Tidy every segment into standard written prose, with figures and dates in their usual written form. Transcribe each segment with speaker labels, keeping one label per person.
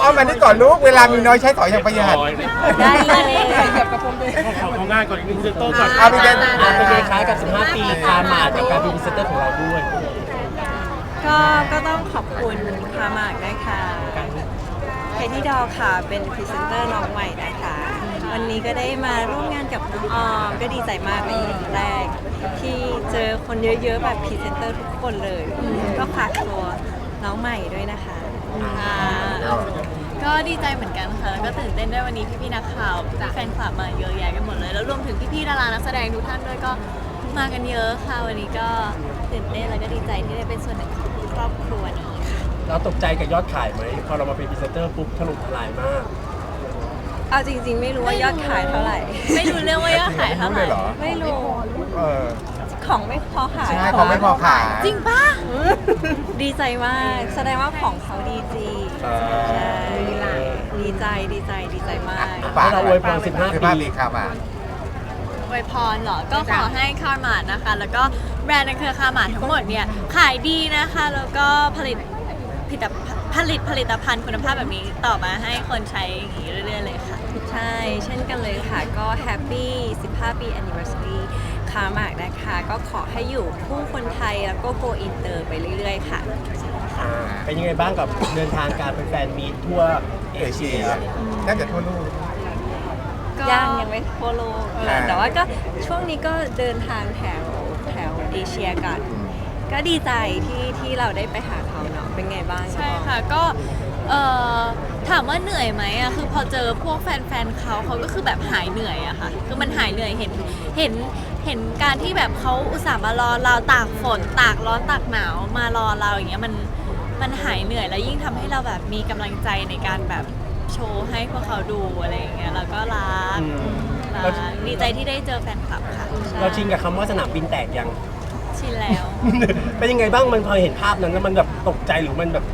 Speaker 1: อ้อมมานี่ก่อนลูกเวลามีน้อยใช้สอยอย่างประหยัด
Speaker 2: ได้เลย
Speaker 3: ของงานก่อนอีกหนึ่งพรีเซนเตอร์ก่อน
Speaker 1: เอาไปเล่น
Speaker 4: เป็นไงคล้ายกับ 15 ปีคามาดกับการเป็นพรีเซนเตอร์ของเราด้วย
Speaker 2: ก็ต้องขอบคุณคามากนะคะเคที่ดอค่ะเป็นพรีเซนเตอร์น้องใหม่นะคะ วันนี้ก็ได้มาร่วมงานกับน้องออมก็ดีใจมากเป็นครั้งแรก ที่เจอคนเยอะๆแบบพรีเซนเตอร์ทุกคนเลย ก็ฝากตัวน้องใหม่ด้วยนะคะ
Speaker 5: ก็ดีใจเหมือนกันค่ะ แล้วก็ตื่นเต้นด้วยวันนี้พี่ๆนักข่าวแฟนคลับมาเยอะแยะกันหมดเลย แล้วรวมถึงพี่ๆดารานักแสดงทุกท่านด้วยก็มากันเยอะค่ะ วันนี้ก็ตื่นเต้นแล้วก็ดีใจที่ได้เป็นส่วนหนึ่งของครอบครัวนี้ค่ะ
Speaker 4: เราตกใจกับยอดขายไหมพอเรามาเป็นพรีเซนเตอร์ปุ๊บถล่มทลายมาก
Speaker 2: เอาจริงๆ ไม่รู้ว่ายอดขายเท่าไหร่
Speaker 5: ไม่รู้เรื่องว่ายอดขายเท่าไหร่
Speaker 1: เหรอ
Speaker 2: ไม่รู้
Speaker 1: เออ
Speaker 2: ของไม่พอขาย
Speaker 1: ใช่ของไม่พอขาย
Speaker 5: จริงปะ
Speaker 2: ดีใจมาก แสดงว่าของเขาดีจริง
Speaker 1: เออ
Speaker 2: ใช่ดีใจมาก
Speaker 1: ฝาก
Speaker 4: ให้เราอวยพร15 ปี
Speaker 1: ปีครับอ่ะ
Speaker 5: อวยพรเหรอ ก็ขอให้คาร์มาดนะคะ แล้วก็แบรนด์ในเครือคาร์มาดทั้งหมดเนี่ยขายดีนะคะ แล้วก็ผลิตผลิตภัณฑ์คุณภาพแบบนี้ต่อมาให้คนใช้อย่างนี้เรื่อยๆเลยค่ะ
Speaker 2: ใช่ เช่นกันเลยค่ะ ก็แฮปปี้15 ปี anniversary คามากนะคะ ก็ขอให้อยู่คู่คนไทยแล้วก็ go inter ไปเรื่อยๆ ค่ะ
Speaker 4: เป็นยังไงบ้างกับเดินทางการเป็นแฟนมีตทั่วเอ
Speaker 1: เอ
Speaker 4: เชี
Speaker 1: เชี
Speaker 4: ย
Speaker 1: ยน่าจะทั่วโลก
Speaker 2: ยังไม่ทั่วโลก
Speaker 1: อ่า
Speaker 2: แต่ว่าก็ช่วงนี้ก็เดินทางแถวเอเชียกัน ก็ดีใจที่เราได้ไปหาเขาเนาะ เป็นไงบ้าง
Speaker 5: ใช่ค่ะก็ถามว่าเหนื่อยไหมอะคือพอเจอพวกแฟนๆเขาก็คือแบบหายเหนื่อยอะค่ะคือมันหายเหนื่อยเห็นการที่แบบเขาอุตส่าห์มารอเราตากฝนตากร้อนตากหนาวมารอเราอย่างเงี้ยมันหายเหนื่อยแล้วยิ่งทำให้เราแบบมีกำลังใจในการแบบโชว์ให้พวกเขาดูอะไรอย่างเงี้ยแล้วก็รัก
Speaker 4: เรา
Speaker 5: ดีใจที่ได้เจอแฟนคลับค่ะ
Speaker 4: เราชินกับคำว่าสนามบินแตกยัง
Speaker 5: ชินแล้ว
Speaker 4: เป็นยังไงบ้างมันพอเห็นภาพนั้นแล้วมันแบบตกใจหรือมันแบบ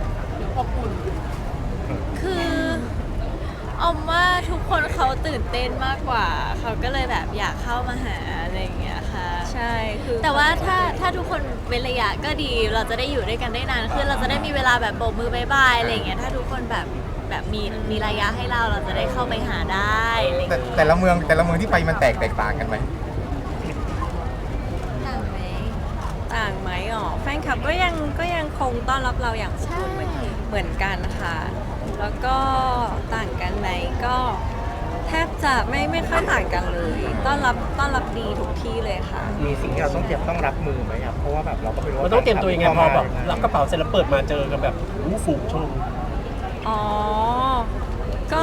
Speaker 5: คือออมว่าทุกคนเขาตื่นเต้นมากกว่า เขาก็เลยแบบอยากเข้ามาหาอะไรอย่างเงี้ยค่ะ
Speaker 2: ใช่คือ
Speaker 5: แต่ว่าถ้าทุกคนเว้นระยะก็ดี เราจะได้อยู่ด้วยกันได้นานขึ้น เราจะได้มีเวลาแบบโบกมือบายบายอะไรอย่างเงี้ย ถ้าทุกคนแบบมีระยะให้เราจะได้เข้าไปหาได้อะไรอย่างเงี้ย
Speaker 1: แต่ละเมืองที่ไปมันแตกต่างกันไหม
Speaker 5: ต่างไหม
Speaker 2: ต่างไหมอ๋อแฟนคลับก็ยังคงต้อนรับเราอย่างอบอุ่นเหมือนกันค่ะ แล้วก็ต่างกันไหมก็แทบจะไม่ค่อยต่างกันเลย ต้อนรับดีทุกที่เลยค่ะ
Speaker 6: มีสิ่งที่เราต้องเตรียมต้องรับมือไหมครับ เพราะว่าแบบเราก็ไม่รู้
Speaker 4: มันต้องเตรียมตัวยังไงพอแบบรับกระเป๋าเสร็จแล้วเปิดมาเจอกันแบบฝูงชน
Speaker 2: อ๋อ ก็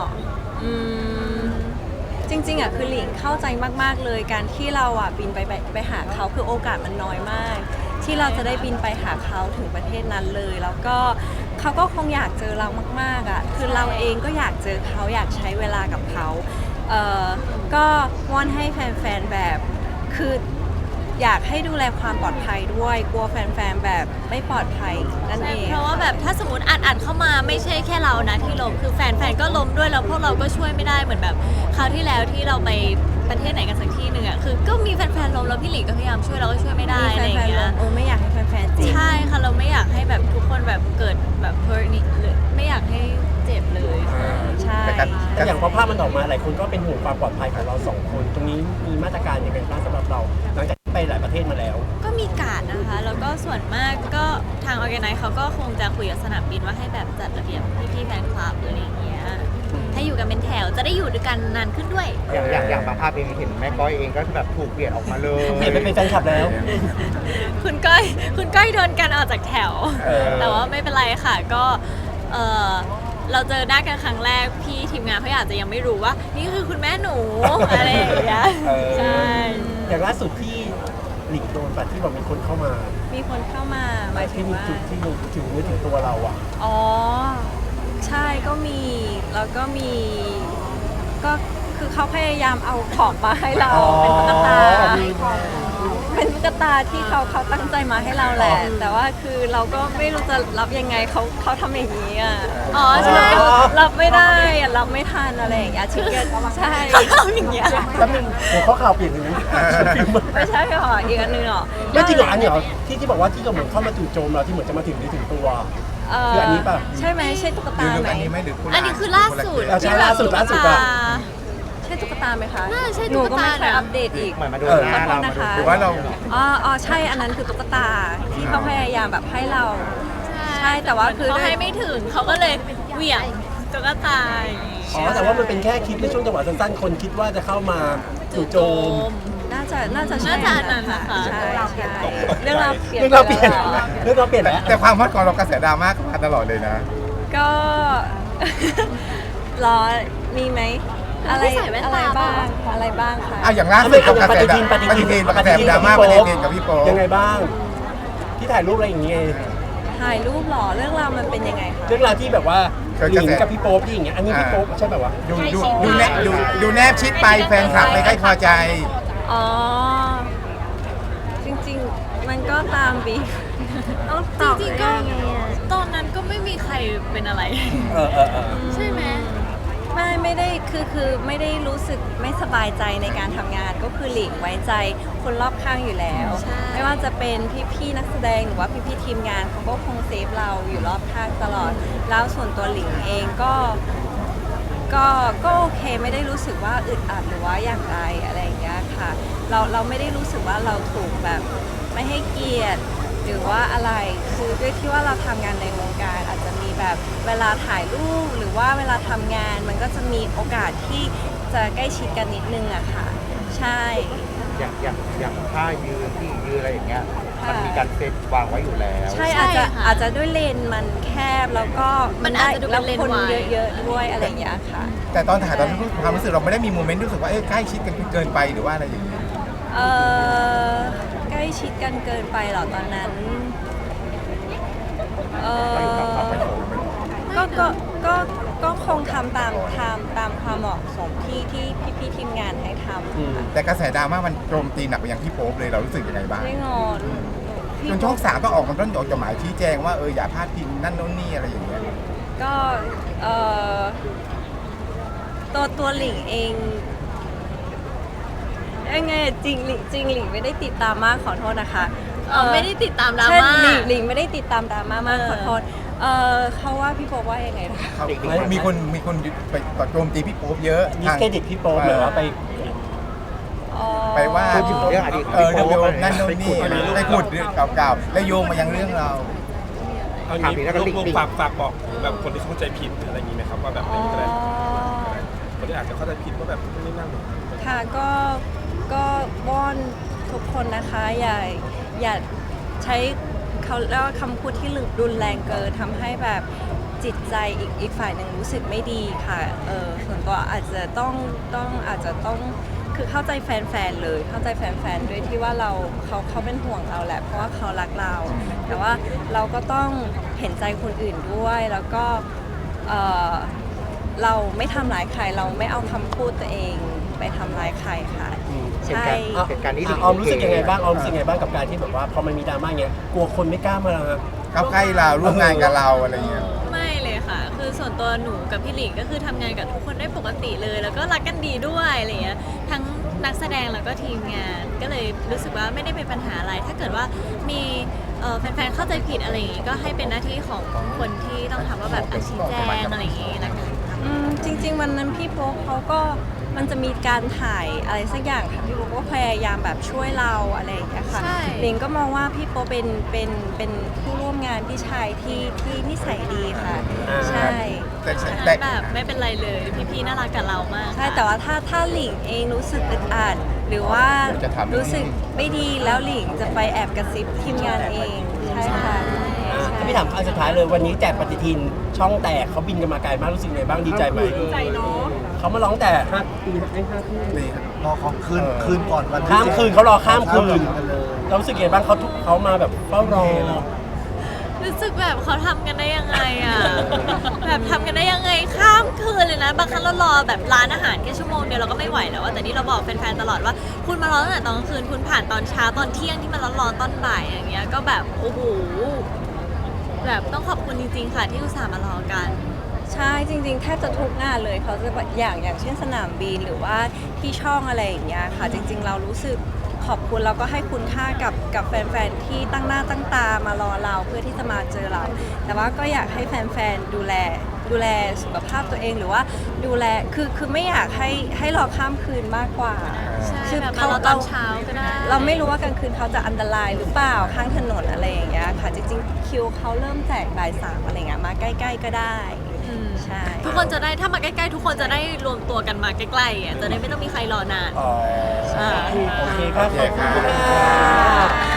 Speaker 2: จริงๆอ่ะคือหลิงเข้าใจมากๆเลยการที่เราอ่ะบินไปหาเขาคือโอกาสมันน้อยมาก ที่เราจะได้บินไปหาเขาถึงประเทศนั้นเลย แล้วก็เขาก็คงอยากเจอเรามากๆอ่ะคือเราเองก็อยากเจอเขาอยากใช้เวลากับเขาก็วอนให้แฟนๆแบบคืออยากให้ดูแลความปลอดภัยด้วยกลัวแฟนๆแบบไม่ปลอดภัยนั่นเอง
Speaker 5: เพราะว่าแบบถ้าสมมติอัดเข้ามาไม่ใช่แค่เรานะที่ล้มคือแฟนก็ล้มด้วยแล้วพวกเราก็ช่วยไม่ได้เหมือนแบบคราวที่แล้วที่เราไปประเทศไหนกันสักที่หนึ่งอ่ะคือก็มีแฟนๆล้มแล้วพี่หลิงก็พยายามช่วยเราก็ช่วยไม่ได้
Speaker 2: มี
Speaker 5: อะไรอ
Speaker 2: แฟ
Speaker 5: ย่าง
Speaker 2: น
Speaker 5: เงี้ย
Speaker 2: ๆไม่อยากให้แฟนๆเจ็บ
Speaker 5: ใช่ค่ะเราไม่อยากให้แบบทุกคนแบบเกิดแบบ hurt นี่หรือไม่อยากให้เจ็บเลย
Speaker 2: ใช่
Speaker 1: แต่การ
Speaker 4: แต่อย่างพอภาพมันออกมาหลายคนก็เป็นห่วงความปลอดภัยของเราสองคน ตรงนี้มีมาตรการยังไงบ้างสำหรับเรา หลังจากที่ไปหลายประเทศมาแล้ว
Speaker 5: ก็มีการดนะคะ แล้วก็ส่วนมากก็ทางออแกไนซ์เขาก็คงจะคุยกับสนามบินว่าให้แบบจัดระเบียบพี่ๆแฟนคลับอะไรอย่างเงี้ยให้อยู่กันเป็นแถวจะได้อยู่ด้วยกันนานขึ้นด้วย
Speaker 6: อย่างบางภาพเองเห็นแม่ก้อยเองก็คือแบบถูกเปลี่ยนออกมาเลย
Speaker 4: เปลี่ยนไปเป็นแฟนคลับแล้ว
Speaker 5: คุณก้อยโดนกันออกจากแถว แต่ว่าไม่เป็นไรค่ะก็เราเจอหน้ากันครั้งแรกพี่ทีมงานเขาอาจจะยังไม่รู้ว่า นี่คือคุณแม่หนู อะไรอย่างเงี้ยใช่
Speaker 4: อย่างล่าสุดที่หลิงโดนปัดที่บอกมีคนเข้ามา
Speaker 2: มีคนเข้ามาหมายถึ
Speaker 4: ที่
Speaker 2: ง
Speaker 4: มี
Speaker 2: ว่า
Speaker 4: จุดที่ถึงนึกถึงตัวเราอ่ะ
Speaker 2: อ๋อ ใช่ก็มี แล้วก็มี ก็คือเขาพยายามเอาของมาให้เรา
Speaker 4: อ๋อ
Speaker 2: เป็นตุ๊กตา เป็นตุ๊กตาที่เขาตั้งใจมาให้เราแหละ แต่ว่าคือเราก็ไม่รู้จะรับยังไงเขาทำอย่างนี้อ่ะ
Speaker 5: อ๋อใช่
Speaker 2: รับไม่ได้อะรับไม่ทันอะไรอย่างเงี้ยชิคเก้นใช่
Speaker 5: เขาทำอย่างเงี้ย
Speaker 4: แป๊บนึงหัวข้อข่าวเปลี่ยนอย่างนี้
Speaker 2: ไม่ใช่หรออีกอันหนึงหรอ
Speaker 4: ไม่จริงเหรออันนี้เหรอที่บอกว่าที่เราเหมือนเข้ามาจู่โจมเราที่เหมือนจะมาถึงตัวคืออันนี้ป่ะ
Speaker 2: ใช่ไหมใช่ตุ๊ก
Speaker 1: หรื
Speaker 2: ตา
Speaker 1: อ
Speaker 2: ไหม
Speaker 1: อันนี้ไหมหรือคุณ
Speaker 5: อันนี้คือล่าสุด
Speaker 4: ใช่ล่าสุด
Speaker 5: ที่แบบ
Speaker 2: ใช่ตุ๊กตาไหมคะ
Speaker 5: น่าใช่
Speaker 2: หนู
Speaker 5: ตุ๊กตา
Speaker 2: ก็ไม่เคย
Speaker 5: นะ
Speaker 2: อัปเดตอีก
Speaker 6: เหมือนมาดู
Speaker 2: ขอ
Speaker 6: หน้า
Speaker 2: โท
Speaker 6: เรา
Speaker 2: ษนะคะ
Speaker 1: หรือว่าเรา
Speaker 2: อ๋อใช่อันนั้นคือตุ๊กตาที่เขาพยายามแบบให้เรา ใช่แต่ว่าคือ
Speaker 5: เขาให้ไม่ถึงเขาก็เลยเหวี่ยงตุ๊กตาอย่างงี้
Speaker 4: อ๋อแต่ว่ามันเป็นแค่คลิปในช่วงจังหวะสั้นๆ คนคิดว่าจะเข้ามาจู่โจม
Speaker 2: น่าจะใช่
Speaker 5: น่าจะอันนั้นนะคะ
Speaker 2: ใช่ใช่เรื่องราวเปลี่ยน
Speaker 4: เรื่องเราเปลี่ยน
Speaker 2: ไปแล้ว
Speaker 4: เรื่องเราเปลี่ยนแล้ว
Speaker 1: แต่ความฮอตของเรากระแสดราม่าก็มาตลอดเลยนะ
Speaker 2: ก็ รอมีไหมอะไร
Speaker 5: ไม่ใส่แว่น
Speaker 2: อะไร
Speaker 5: ตา
Speaker 2: บ้างอะไรบ้างคะ
Speaker 1: อ่ะอย่างล่าสุดกับกระแสดราม่าปฏิทินกระแสดราม่าปฏิทินกับพี่โป๊ป
Speaker 4: ยังไงบ้าง ที่ถ่ายรูปอะไรอย่างเงี้ย
Speaker 2: ถ่ายรูปเหรอเรื่องราวมันเป็นยังไงคะ
Speaker 4: เรื่องราวที่แบบว่าหลิงกับพี่โป๊ปที่อย่างเงี้ย อันนี้พี่โป๊ปใช่แบบว่า
Speaker 1: ดูแนบชิดไปแฟนคลับไม่ค่อยพอใจ
Speaker 2: อ๋อ จริงๆ มันก็ตามบีต้องตอบ
Speaker 5: จริงๆก็
Speaker 2: ยังไงอะ
Speaker 5: ตอนนั้นก็ไม่มีใครเป็นอะไร
Speaker 4: เออ
Speaker 5: ใช่ไหม
Speaker 2: ไม่ได้คือไม่ได้รู้สึกไม่สบายใจในการทำงานก็คือหลีกไว้ใจคนรอบข้างอยู่แล้ว
Speaker 5: ใช่
Speaker 2: ไม่ว่าจะเป็นพี่ๆนักแสดงหรือว่าพี่ๆทีมงานเขาก็คงเซฟเราอยู่รอบข้างตลอด แล้วส่วนตัวหลิงเองก็โอเคไม่ได้รู้สึกว่าอึดอัดหรือว่าอย่างไรอะไรอย่างเงี้ยค่ะเราไม่ได้รู้สึกว่าเราถูกแบบไม่ให้เกียรติหรือว่าอะไรคือด้วยที่ว่าเราทำงานในวงการอาจจะมีแบบเวลาถ่ายรูปหรือว่าเวลาทำงานมันก็จะมีโอกาสที่จะใกล้ชิดกันนิดนึงอะค่ะ ใช่
Speaker 6: อย่างท่ายืนที่ยืนอะไรอย่างเงี้ย
Speaker 2: ค่ะ
Speaker 6: มันมีการเซตวางไว้อยู่แล้ว
Speaker 2: ใช่
Speaker 5: ใช่
Speaker 2: อาจจะ
Speaker 5: ค่ะ
Speaker 2: อาจจะด้วยเลนมันแคบแล้วก็
Speaker 5: มันอาจจะดูเป็นเลน
Speaker 2: คน
Speaker 5: วาย
Speaker 2: เยอะๆด้วยอะไรอย่างเงี้ยค่ะ
Speaker 1: แต่ตอนถ่ายตอนความรู้สึกเราไม่ได้มีโมเมนต์รู้สึกว่าใกล้ชิดกันเกินไปหรือว่าอะไรอย่างเงี้ย
Speaker 2: เออใกล้ชิดกันเกินไปเหรอตอนนั้นเออก็คงทำตามความเหมาะสมที่พี่ๆทีมงานให้ทำค่ะ
Speaker 1: แต่กระแสดราม่ามันโจมตีหนักไปยังพี่โป๊ปเลยเรารู้สึกยังไงบ้าง
Speaker 2: ไม่งอนพี่
Speaker 1: จนช่อง3ต้องออกมาต้นออกจดหมายชี้แจงว่าอย่าพลาดพิงนั่นโน่นนี่อะไรอย่างเงี้ย
Speaker 2: ก็ตัวหลิงเองยังไงจริงหลิงไม่ได้ติดตามมากขอโทษนะคะ
Speaker 5: ไม่ได้ติดตามดรา
Speaker 2: ใช่
Speaker 5: ม่า
Speaker 2: หลิงไม่ได้ติดตามดราม่ามาก
Speaker 5: เออ
Speaker 2: ขอโทษเขาว่าพี่โป๊ปว่ายังไงนะคะ
Speaker 1: มีคนไปโจมตีพี่โป๊ปเยอะ
Speaker 4: ดิสเครดิตพี่โป๊ปหรือว่าไป
Speaker 1: ไปว่า
Speaker 6: พูดถึงเรื่องอดีต
Speaker 1: เรื่อง
Speaker 6: พี่โป๊ป
Speaker 1: นั่นโน่นนี่ไปขุดเรื่องเก่าๆแล้วโยงมายังเรื่องเรา
Speaker 3: เอางี้ลูกฝากบอกแบบคนที่เข้าใจผิดหรืออะไรอย่างนี้ไหมครับว่าแบบ
Speaker 2: อ๋
Speaker 3: ไม่
Speaker 2: อ
Speaker 3: มีอะไรคนที่อาจจะเข้าใจผิดว่าแบบไม่นั่ง
Speaker 2: ค่ะก็วอนทุกคนนะคะอย่าใช้เขาเรียกว่าคำพูดที่รุนแรงเกินทำให้แบบจิตใจอีกฝ่ายหนึ่งรู้สึกไม่ดีค่ะส่วนตัวอาจจะต้องคือเข้าใจแฟนๆเลยเข้าใจแฟนๆด้วยที่ว่าเขาเป็นห่วงเราแหละเพราะว่าเขารักเรา แต่ว่าเราก็ต้องเห็นใจคนอื่นด้วยแล้วก็เราไม่ทำร้ายใครเราไม่เอาคำพูดตัวเองไปทำร้ายใครค่ะ ใช่
Speaker 6: เหตุการณ์นี้
Speaker 4: ออมรู้สึกยังไงบ้างออมรู้สึกยังไงบ้างกับการที่แบบว่าพอมันมีดราม่าเงี้ยกลัวคนไม่กล้ามา
Speaker 1: เข้าใกล้เราร่วมงานกับเราอะไรเงี้ย
Speaker 5: ไม่เลยค่ะ คือส่วนตัวหนูกับพี่หลิงก็คือทำงานกับทุกคนได้ปกติเลย แล้วก็รักกันดีด้วยอะไรเงี้ย ทั้งนักแสดงแล้วก็ทีมงาน ก็เลยรู้สึกว่าไม่ได้เป็นปัญหาอะไร ถ้าเกิดว่ามีแฟนๆเข้าใจผิดอะไรอย่างงี้ ก็ให้เป็นหน้าที่ของคนที่ต้องทำว่าแบบชี้แจงอะไรอย่างงี้แล้วกัน
Speaker 2: จริงๆวันนั้นพี่โป๊ปเขาก็มันจะมีการถ่ายอะไรสักอย่างค่ะพี่โป๊ปก็พยายามแบบช่วยเราอะไรอย่างเงี้ยค่ะ
Speaker 5: ใช่
Speaker 2: หลิงก็มองว่าพี่โป๊ปเป็นผู้ร่วมงานพี่ชายที่นิสัยดีค่ะ ใช่
Speaker 1: แต่
Speaker 5: แบบไม่เป็นไรเลย พี่ๆน่ารักกับเรามาก
Speaker 2: ใช่แต่ว่าถ้าหลิงเองรู้สึกอึดอัดหรือว่ารู้สึกไม่ดีแล้วหลิงจะไปแอบกระซิบทีมงานเองใช่ค่ะใช่
Speaker 4: พี่ถามอันสุดท้ายเลยวันนี้แจกปฏิทินช่องแตกเขาบินกันมาไกลมากรู้สึกไงบ้างดีใจไหมดีใจเนาะเขามาร้องแต่
Speaker 1: ดีครับ
Speaker 6: รอของคืนก่อนวัน
Speaker 4: ข้ามคืนเขารอข้ามคืนเรารู้สึกไงบ้างเขามาแบบเฝ้ารอ
Speaker 5: รู้สึกแบบเขาทำกันได้ยังไงอ่ะ แบบทำกันได้ยังไงข้ามคืนเลยนะ บางครั้งเรารอแบบร้านอาหารแค่ชั่วโมงเดียวเราก็ไม่ไหวแล้วอะแต่นี่เราบอกแฟนๆตลอดว่าคุณมารอตั้งแต่ตอนกลางคืนคุณผ่านตอนเช้าตอนเที่ยงที่มันร้อนๆตอนบ่ายอย่างเงี้ยก็แบบโอ้โหแบบต้องขอบคุณจริงๆค่ะที่อุตส่าห์มารอกัน
Speaker 2: ใช่จริงๆแทบจะทุกงานเลยเขาจะแบบอย่างเช่นสนามบินหรือว่าที่ช่องอะไรอย่างเงี้ยค่ะ จริงๆเรารู้สึกขอบคุณแล้วก็ให้คุณค่ากับแฟนๆที่ตั้งหน้าตั้งตามารอเราเพื่อที่จะมาเจอเรา แต่ว่าก็อยากให้แฟนๆดูแลสุขภาพตัวเองหรือว่าดูแลคือไม่อยากให้รอข้ามคืนมากกว่า
Speaker 5: ใช่
Speaker 2: คือ
Speaker 5: แบบมารอตอนเช้าก็ได้
Speaker 2: เราไม่รู้ว่ากลางคืนเขาจะอันตรายหรือเปล่าข้างถนนอะไรอย่างเงี้ยค่ะ จริงๆคิวเขาเริ่มแจกบ่าย 3อะไรเงี้ยมาใกล้ๆก็ได้
Speaker 5: อืม
Speaker 2: ใช่
Speaker 5: ทุกคนจะได้ถ้ามาใกล้ๆทุกคนจะได้รวมตัวกันมาใกล้ๆอ่ะจะได้ไม่ต้องมีใครรอนาน
Speaker 4: โอเคครับขอบคุณค่ะ